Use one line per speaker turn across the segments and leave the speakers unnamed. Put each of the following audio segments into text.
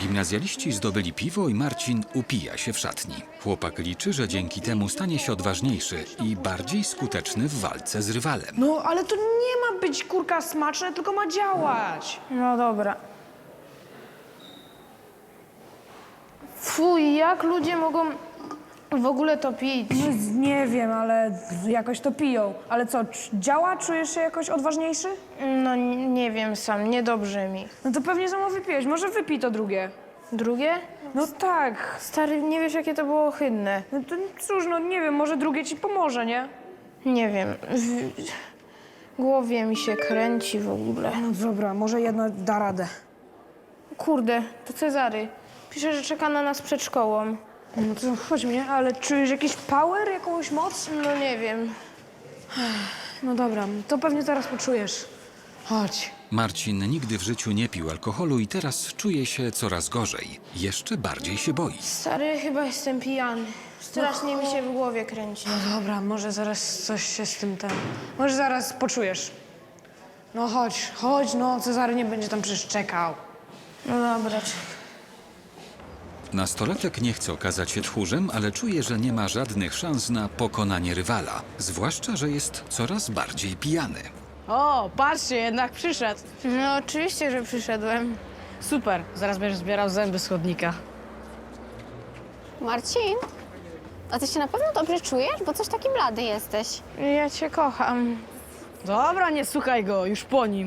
Gimnazjaliści zdobyli piwo i Marcin upija się w szatni. Chłopak liczy, że dzięki temu stanie się odważniejszy i bardziej skuteczny w walce z rywalem.
No, ale to nie ma być, kurka, smaczne, tylko ma działać.
No dobra. Fuj, jak ludzie mogą w ogóle to pić?
No, nie wiem, ale jakoś to piją. Ale co, działa? Czujesz się jakoś odważniejszy?
No nie wiem sam, niedobrze mi.
No to pewnie samo wypiłeś. Może wypij to drugie.
Drugie?
No tak.
Stary, nie wiesz, jakie to było ohydne.
No to cóż, no nie wiem, może drugie ci pomoże, nie?
Nie wiem. W głowie mi się kręci w ogóle.
No dobra, może jedno da radę.
Kurde, to Cezary. Pisze, że czeka na nas przed szkołą.
No to chodź mnie, ale czujesz jakiś power, jakąś moc?
No nie wiem.
No dobra, to pewnie zaraz poczujesz. Chodź.
Marcin nigdy w życiu nie pił alkoholu i teraz czuje się coraz gorzej. Jeszcze bardziej się boi.
Stary, chyba jestem pijany. Strasznie mi się w głowie kręci.
No dobra, może zaraz coś się z tym Może zaraz poczujesz. No chodź, chodź, no Cezary nie będzie tam przecież czekał.
No dobra,
Nastolatek nie chce okazać się tchórzem, ale czuje, że nie ma żadnych szans na pokonanie rywala. Zwłaszcza, że jest coraz bardziej pijany.
O, patrzcie, jednak przyszedł.
No oczywiście, że przyszedłem.
Super, zaraz będziesz zbierał zęby z chodnika.
Marcin, a ty się na pewno dobrze czujesz? Bo coś taki blady jesteś.
Ja cię kocham.
Dobra, nie słuchaj go, już po nim.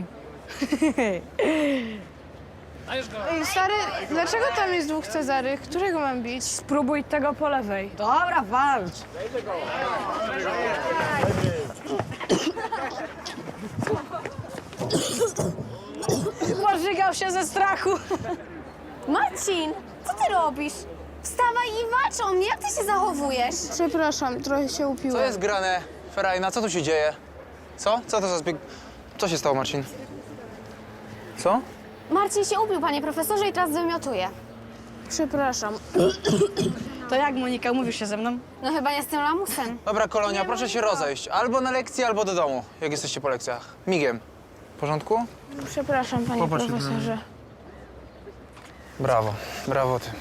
Ej, stary, dlaczego tam jest dwóch Cezary? Którego mam bić?
Spróbuj tego po lewej.
Dobra, walcz. Pożygał się ze strachu.
Marcin, co ty robisz? Wstawaj i walcz o mnie, jak ty się zachowujesz?
Przepraszam, trochę się upiłem.
Co jest grane, Ferajna? Co tu się dzieje? Co? Co to za zbieg... Co się stało, Marcin? Co?
Marcin się upił, panie profesorze, i teraz wymiotuje.
Przepraszam.
To jak, Monika, umówisz się ze mną?
No chyba nie z tym lamusem.
Dobra, Kolonia, proszę się rozejść. Albo na lekcję, albo do domu, jak jesteście po lekcjach. Migiem. W porządku?
Przepraszam, panie
Popatrz,
profesorze.
Brawo, brawo ty.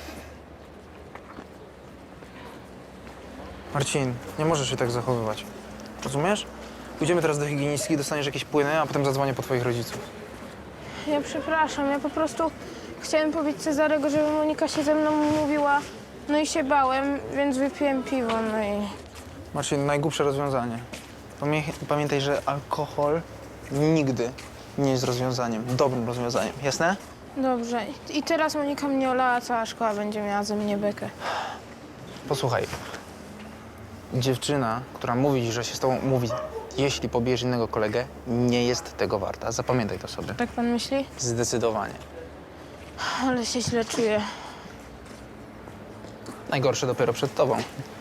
Marcin, nie możesz się tak zachowywać. Rozumiesz? Pójdziemy teraz do higienistki, dostaniesz jakieś płyny, a potem zadzwonię po twoich rodziców.
Ja przepraszam, ja po prostu chciałem powiedzieć Cezarego, żeby Monika się ze mną umówiła. No i się bałem, więc wypiłem piwo, no i...
Marcin, najgłupsze rozwiązanie. Pamiętaj, że alkohol nigdy nie jest rozwiązaniem, dobrym rozwiązaniem. Jasne?
Dobrze. I teraz Monika mnie olała, cała szkoła będzie miała ze mnie bekę.
Posłuchaj. Dziewczyna, która mówi ci, że się z tobą umówi, jeśli pobijesz innego kolegę, nie jest tego warta. Zapamiętaj to sobie.
Tak pan myśli?
Zdecydowanie.
Ale się źle czuję.
Najgorsze dopiero przed tobą.